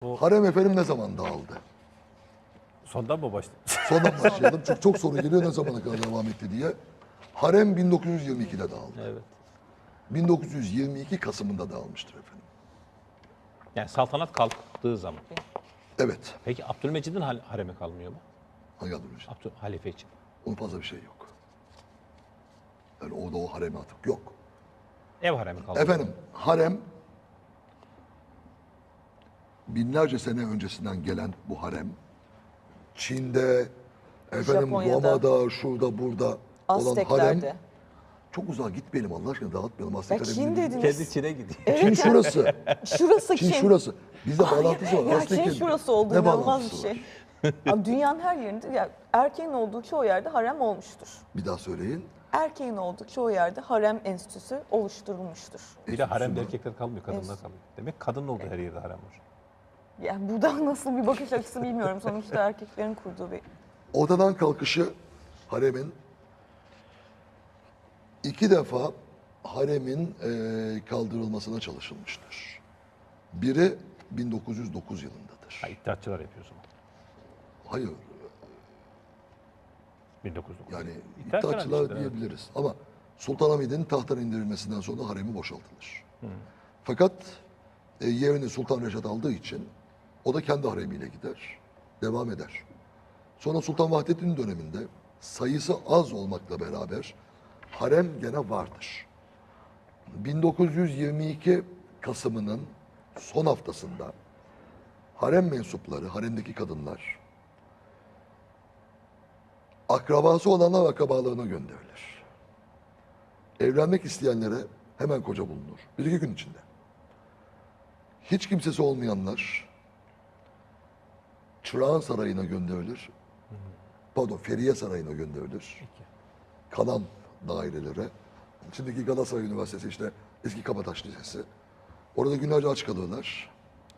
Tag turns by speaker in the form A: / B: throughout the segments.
A: Harem efendim ne zaman dağıldı?
B: Sondan mı başladı?
A: Sondan başlayalım çünkü çok soru geliyor ne zamana kadar devam etti diye. Harem 1922'de dağıldı.
B: Evet.
A: 1922 Kasım'ında dağılmıştır efendim.
B: Yani saltanat kalktığı zaman.
A: Evet.
B: Peki Abdülmecid'in haremi kalmıyor mu?
A: Hangi adım için?
B: Halife için.
A: Onun fazla bir şey yok. Yani orada o haremi atık yok.
B: Ev haremi kalmıyor.
A: Efendim harem binlerce sene öncesinden gelen bu harem Çin'de, efendim
C: Japonya'da,
A: Roma'da, şurada burada olan harem
C: Azteklerde.
A: çok uzağa gitmeyelim Allah aşkına dağıtmayalım.
C: Ya
A: Aztek
C: Çin
A: haremini
C: dediniz.
B: Kendi Çin'e gidiyor.
A: Çin şurası.
C: Şurası
A: Çin
C: Çin.
A: şurası. Bizde bağlantısı var.
C: Ya
A: Aztek'in
C: Çin şurası oldu
A: ne
C: inanılmaz bir
A: bağlantısı
C: şey.
A: var?
C: Abi dünyanın her yerinde ya erkeğin olduğu çoğu yerde harem olmuştur.
A: Bir daha söyleyin.
C: Erkeğin olduğu çoğu yerde harem enstitüsü oluşturulmuştur.
B: Bir de haremde
A: Enstitüsü
B: erkekler kalmıyor, kadınlar kalıyor. Demek kadın olduğu her yerde harem var.
C: Yani buradan nasıl bir bakış açısı bilmiyorum. Sonuçta erkeklerin kurduğu bir...
A: Ortadan kalkışı haremin iki defa haremin kaldırılmasına çalışılmıştır. Biri 1909 yılındadır.
B: Ha, iddiatçılar yapıyor o zaman.
A: Hayır
B: 1909.
A: yani
B: İddiatçılar
A: iddiatçılar
B: işte, evet.
A: diyebiliriz ama Sultanahmet'in tahttan indirilmesinden sonra haremi boşaltılır. Fakat yerini Sultan Reşat aldığı için o da kendi haremiyle gider, devam eder. Sonra Sultan Vahdettin döneminde sayısı az olmakla beraber harem gene vardır. 1922 Kasım'ının son haftasında harem mensupları, haremdeki kadınlar akrabası olanlar akrabalarına gönderilir. Evlenmek isteyenlere hemen koca bulunur. Bir iki gün içinde. Hiç kimsesi olmayanlar Çırağan Sarayı'na gönderilir. Pardon, Feriye Sarayı'na gönderilir. Kalan dairelere. Şimdiki Galatasaray Üniversitesi işte eski Kabataş Lisesi. Orada günlerce aç kalırlar.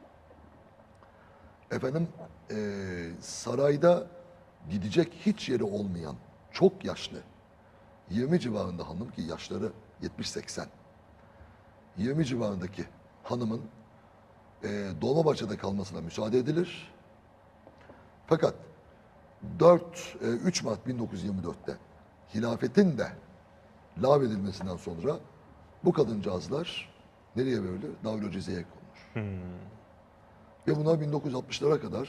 A: Efendim sarayda gidecek hiç yeri olmayan çok yaşlı 20 civarında hanım ki yaşları 70-80 20 civarındaki hanımın Dolmabahçe'de kalmasına müsaade edilir. Fakat 3 Mart 1924'te hilafetin de lağvedilmesinden sonra bu kadıncağızlar nereye verilir? Darül Ceze'ye konulur. Ve bunlar 1960'lara kadar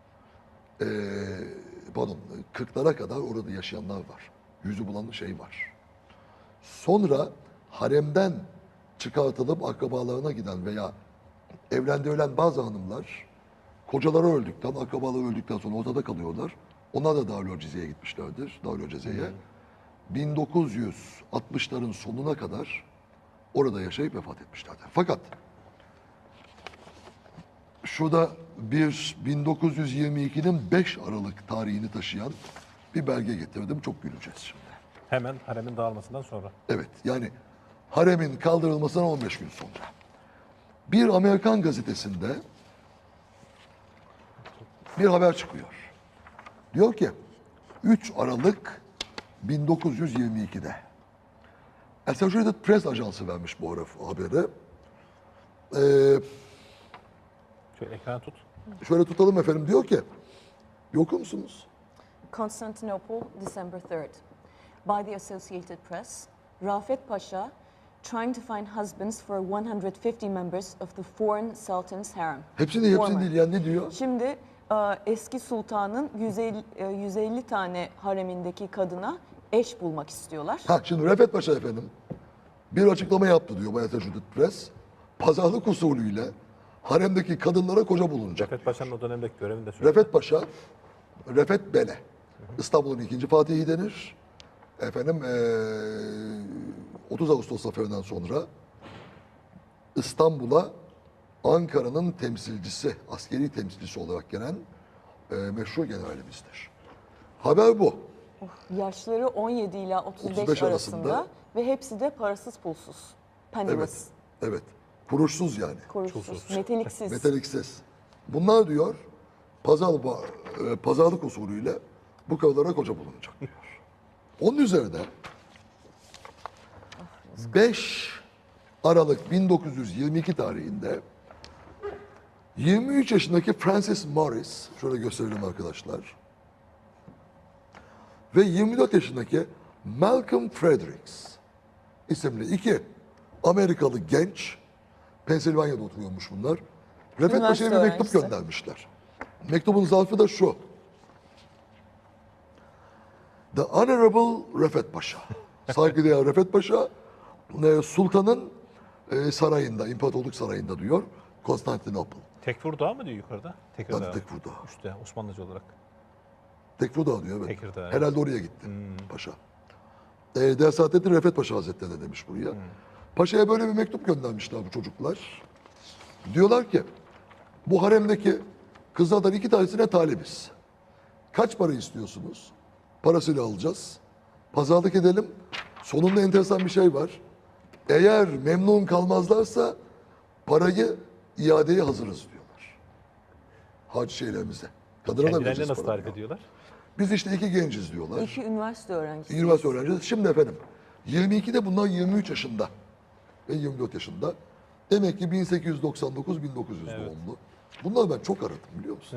A: pardon 40'lara kadar orada yaşayanlar var. Yüzü bulan şey var. Sonra haremden çıkartılıp akrabalarına giden veya evlendirilen bazı hanımlar kocaları öldükten, akrabaları öldükten sonra ortada kalıyorlar. Onlar da Darül Ceze'ye gitmişlerdir. Darül Ceze'ye. 1960'ların sonuna kadar orada yaşayıp vefat etmişlerdir. Fakat şurada bir 1922'nin 5 Aralık tarihini taşıyan bir belge getirdim. Çok güleceğiz şimdi.
B: Hemen haremin dağılmasından sonra.
A: Evet yani haremin kaldırılmasından 15 gün sonra. Bir Amerikan gazetesinde bir haber çıkıyor. Diyor ki 3 Aralık 1922'de Associated Press ajansı vermiş bu haberi.
B: Şöyle ekran tut.
A: Şöyle tutalım efendim diyor ki okur musunuz?
C: Constantinople, December 3rd. By the Associated Press, Rafet Pasha trying to find husbands for 150 members of the foreign sultan's harem.
A: Hepsini
C: Former.
A: değil yani ne diyor?
C: Şimdi eski sultanın 150 tane haremindeki kadına eş bulmak istiyorlar.
A: Ha şimdi Refet Paşa efendim bir açıklama yaptı diyor bu Associated Press. Pazarlık usulüyle haremdeki kadınlara koca bulunacak.
B: Refet Paşa'nın o dönemdeki görevini de söyle.
A: Refet Paşa, Refet Bele. İstanbul'un ikinci Fatihi denir. Efendim 30 Ağustos zaferinden sonra İstanbul'a Ankara'nın temsilcisi, askeri temsilcisi olarak gelen meşhur generalimizdir. Haber bu.
C: Yaşları 17 ila 35
A: 35
C: arasında
A: arasında.
C: ve hepsi de parasız pulsuz. Penniless,
A: Evet, evet. Kuruşsuz yani.
C: kuruşsuz, meteliksiz.
A: Metaliksiz. Bunlar diyor pazarlık usulüyle bu kadınlara koca bulunacak diyor. Onun üzerine 5 Aralık 1922 tarihinde 23 yaşındaki Francis Morris, şöyle gösterelim arkadaşlar. Ve 24 yaşındaki Malcolm Fredericks isimli iki Amerikalı genç, Pensilvanya'da oturuyormuş bunlar. Refet Paşa'ya bir mektup
C: öğrencisi.
A: göndermişler. Mektubun zarfı da şu. The Honorable Refet Paşa. Saygıdeğer Refet Paşa, Sultan'ın sarayında, İmparatorluk Sarayı'nda diyor. Konstantinopol.
B: Tekirdağ mı diyor yukarıda? Tekirdağ.
A: Tabii Tekirdağ.
B: Üstte Osmanlıca olarak.
A: Tekirdağ diyor evet.
B: Tekirdağ,
A: Herhalde oraya gitti paşa. Saadettin Refet Paşa Hazretleri de demiş buraya. Paşa'ya böyle bir mektup göndermişler bu çocuklar. Diyorlar ki bu haremdeki kızlardan 2 tanesine talibiz. Kaç para istiyorsunuz? Parasıyla alacağız. Pazarlık edelim. Sonunda enteresan bir şey var. Eğer memnun kalmazlarsa parayı iadeye hazırız diyorlar. Hac şeylerimize. Kadına da
B: Kendilerini
A: vereceğiz
B: nasıl
A: parayı.
B: tarif ediyorlar?
A: Biz işte 2 genciz diyorlar.
C: İki üniversite öğrencisi.
A: Üniversite öğrencisi. Şimdi efendim 22'de bunlar 23 yaşında ve 24 yaşında. Demek ki 1899-1900 doğumlu. Bunları ben çok aradım biliyor musun?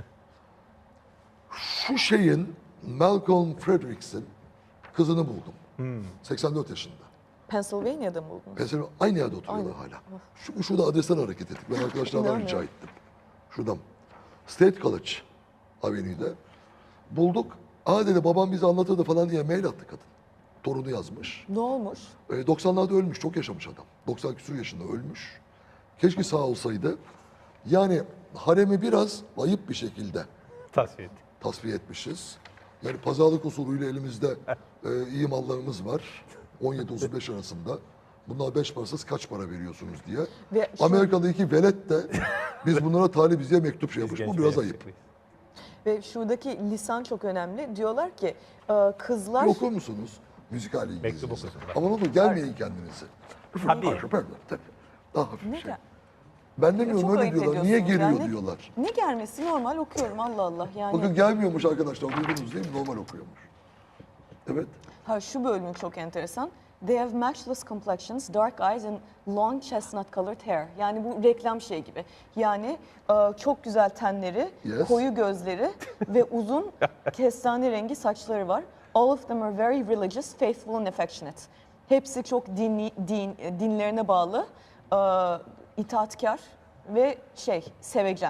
A: Şu şeyin Malcolm Fredericks'in kızını buldum. 84 yaşında.
C: Pennsylvania'da mı buldunuz?
A: Mesela aynı yerde oturuyorlar hala. Şurada adresten hareket ettik. Ben arkadaşlardan rica ettim. Şuradan. State College Avenue'de. Bulduk. Aa dedi babam bize anlatırdı falan diye mail attı kadın. Torunu yazmış.
C: Ne olmuş?
A: 90'larda ölmüş. Çok yaşamış adam. 90 küsur yaşında ölmüş. Keşke sağ olsaydı. Yani haremi biraz ayıp bir şekilde
B: Tasfiye ettik.
A: tasfiye etmişiz. Yani pazarlık usulüyle elimizde iyi mallarımız var. 17-35 arasında. Bunlar 5 parasız kaç para veriyorsunuz diye.
C: Ve şu-
A: Amerikalı iki velet de biz bunlara talibiz diye mektup şey yapmış.
B: Biz
A: Bu
B: genç
A: biraz
B: ve
A: ayıp.
B: yakışıklıyız.
C: Ve şuradaki lisan çok önemli. Diyorlar ki kızlar...
A: Bir okur musunuz? Müzikal
B: Mektup
A: İngilizcesi.
B: okusunlar.
A: Ama ne olur gelmeyin kendinizi.
B: Tabii.
A: Daha hafif
C: Ne
A: bir şey.
C: gel-
A: Ben demiyorum
C: Çok
A: öyle
C: ayıp
A: diyorlar. Niye
C: ediyorsunuz
A: geliyor
C: yani.
A: diyorlar.
C: Ne gelmesi normal okuyorum Allah Allah yani.
A: Bakın gelmiyormuş arkadaşlar. Duydunuz değil mi? Normal okuyormuş. Evet.
C: Ha, şu bölümü çok enteresan. They have matchless complexions, dark eyes and long chestnut colored hair. Yani bu reklam şey gibi. Yani çok güzel tenleri,
A: Yes.
C: koyu gözleri ve uzun kestane rengi saçları var. All of them are very religious, faithful and affectionate. Hepsi çok dinlerine bağlı, itaatkar ve sevecen.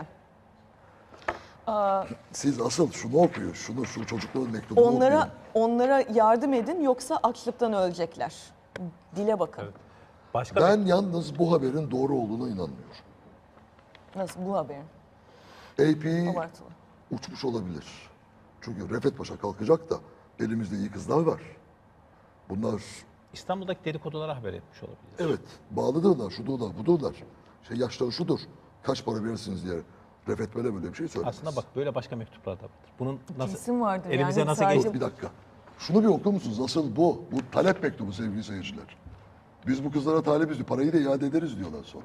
A: Siz asıl şunu okuyun. Şu çocukların mektubunu okuyun.
C: Onlara yardım edin yoksa açlıktan ölecekler. Dile bakın.
B: Evet. Başka
A: Ben yalnız bu haberin doğru olduğuna inanmıyorum.
C: Nasıl bu haberin?
A: AP
C: Abartılı.
A: uçmuş olabilir. Çünkü Refet Paşa kalkacak da elimizde iyi kızlar var. Bunlar
B: İstanbul'daki dedikodulara haber etmiş olabilir.
A: evet bağlıdırlar, şudurlar, budurlar. Yaşları şudur. Kaç para verirsiniz diye Refet böyle bir şey söylemez.
B: Aslında bak böyle başka mektuplar da vardır. Bunun nasıl
C: Kesin vardır
B: elimize
C: yani,
B: nasıl
C: sadece-
B: geçti?
A: Yok bir dakika. Şunu bir okur musunuz? Asıl bu. Bu talep mektubu sevgili seyirciler. Biz bu kızlara talibiz diyor. Parayı da iade ederiz diyorlar sonra.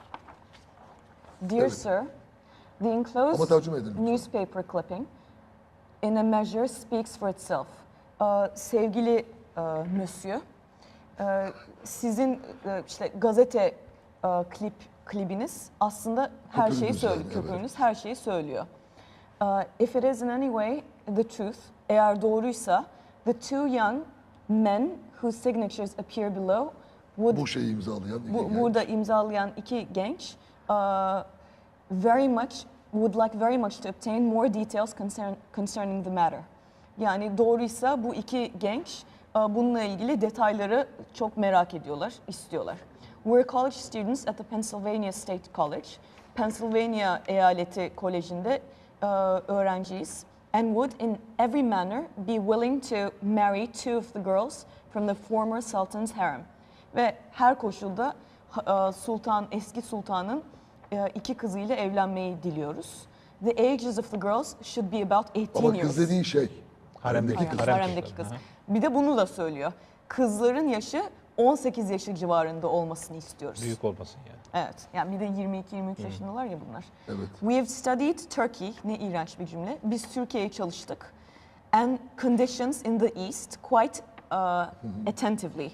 C: Dear
A: Evet.
C: sir, the
A: Ama
C: enclosed
A: tercüme edin lütfen.
C: newspaper clipping in a measure speaks for itself. Sevgili monsieur, sizin işte gazete klibiniz aslında her şeyi
A: Köpüğünüz yani,
C: söylüyor.
A: evet.
C: Köpüğünüz her şeyi söylüyor. If it is in any way the truth, eğer doğruysa, the two young men whose signatures appear below would
A: Bu şeyi imzalayan iki genç.
C: burada imzalayan iki genç would like very much to obtain more details concerning the matter. Yani doğruysa bu iki genç bununla ilgili detayları çok merak ediyorlar, istiyorlar. We're college students at the Pennsylvania State College. Pennsylvania Eyaleti Koleji'nde öğrenciyiz. And would in every manner be willing to marry two of the girls from the former sultan's harem. Ve her koşulda eski sultanın iki kızıyla evlenmeyi diliyoruz. The ages of the girls should be about 18
A: Ama
C: years.
A: kız dediği şey.
B: Haremdeki kız.
C: Haremdeki kız. Bir de bunu da söylüyor. Kızların yaşı 18 yaşı civarında olmasını istiyoruz.
B: Büyük olmasın yani.
C: Evet. Yani bir de 22-23 yaşındalar ya bunlar.
A: Evet.
C: We have studied Turkey. Ne iğrenç bir cümle. Biz Türkiye'ye çalıştık. And conditions in the East quite attentively.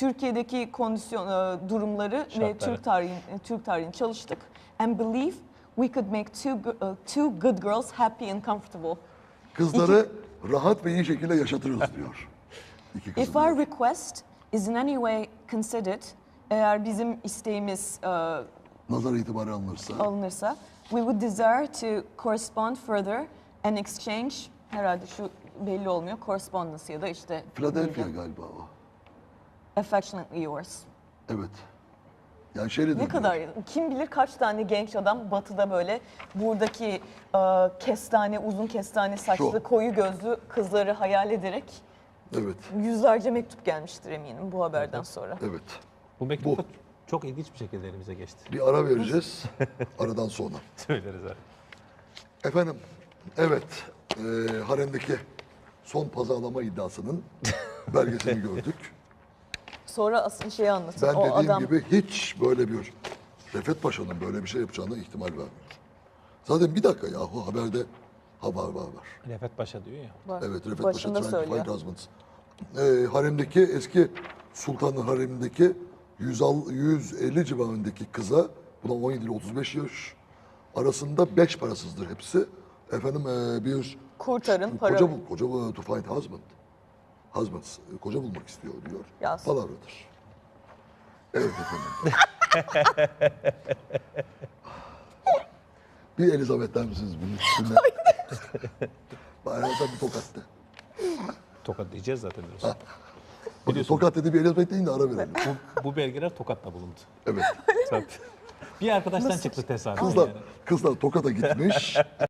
C: Türkiye'deki durumları ve
B: Şartları.
C: Türk tarihini çalıştık. And believe we could make two good girls happy and comfortable.
A: Kızları rahat ve iyi şekilde yaşatırız diyor. İki kızı
C: If our
A: diyor.
C: request is in any way considered, eğer bizim isteğimiz
A: Nazar itibarı alınırsa
C: alınırsa, we would desire to correspond further and exchange, herhalde şu belli olmuyor, correspondence ya da işte
A: Philadelphia galiba o.
C: affectionately yours.
A: Evet. Yani şeyle
C: Ne
A: diyor.
C: kadar, kim bilir kaç tane genç adam batıda böyle buradaki kestane, uzun kestane saçlı,
A: Şu.
C: koyu gözlü kızları hayal ederek
A: Evet.
C: yüzlerce mektup gelmiştir eminim bu haberden sonra.
A: Evet.
B: Bu mektup da çok ilginç bir şekilde elimize geçti.
A: Bir ara vereceğiz. Aradan sonra.
B: Söyleriz abi.
A: Efendim, evet. Haremdeki son pazarlama iddiasının belgesini gördük.
C: Sonra asıl şeyi anlatın.
A: Ben
C: O
A: dediğim
C: adam
A: gibi hiç böyle bir Refet Paşa'nın böyle bir şey yapacağına ihtimal vermiyorum. Zaten bir dakika yahu haberde var.
B: Refet Paşa diyor ya.
C: var.
A: Evet, Refet
C: Başında
A: Paşa,
C: söylüyor.
A: Tranquil Husbands. Haremdeki eski sultanın haremindeki 150 civarındaki kıza, buna 17 ile 35 yaş arasında 5 parasızdır hepsi. Efendim bir
C: Kurtarın, para
A: koca to find husband. Husbands, koca bulmak istiyor diyor.
C: Yaz.
A: Palavradır. Evet efendim. Bir Elizabeth der misiniz bunun üstüne? Bayağı da bir tokattı.
B: Tokat diyeceğiz zaten diyorsun.
A: Bakın
B: Biliyorsun.
A: tokat dedi bir Elizabeth deyin de ara verelim.
B: Bu belgeler Tokat'ta bulundu.
A: Evet.
B: Zaten. Bir arkadaştan çıktı tesadüf.
A: Kızlar,
B: yani.
A: kızlar Tokat'a gitmiş.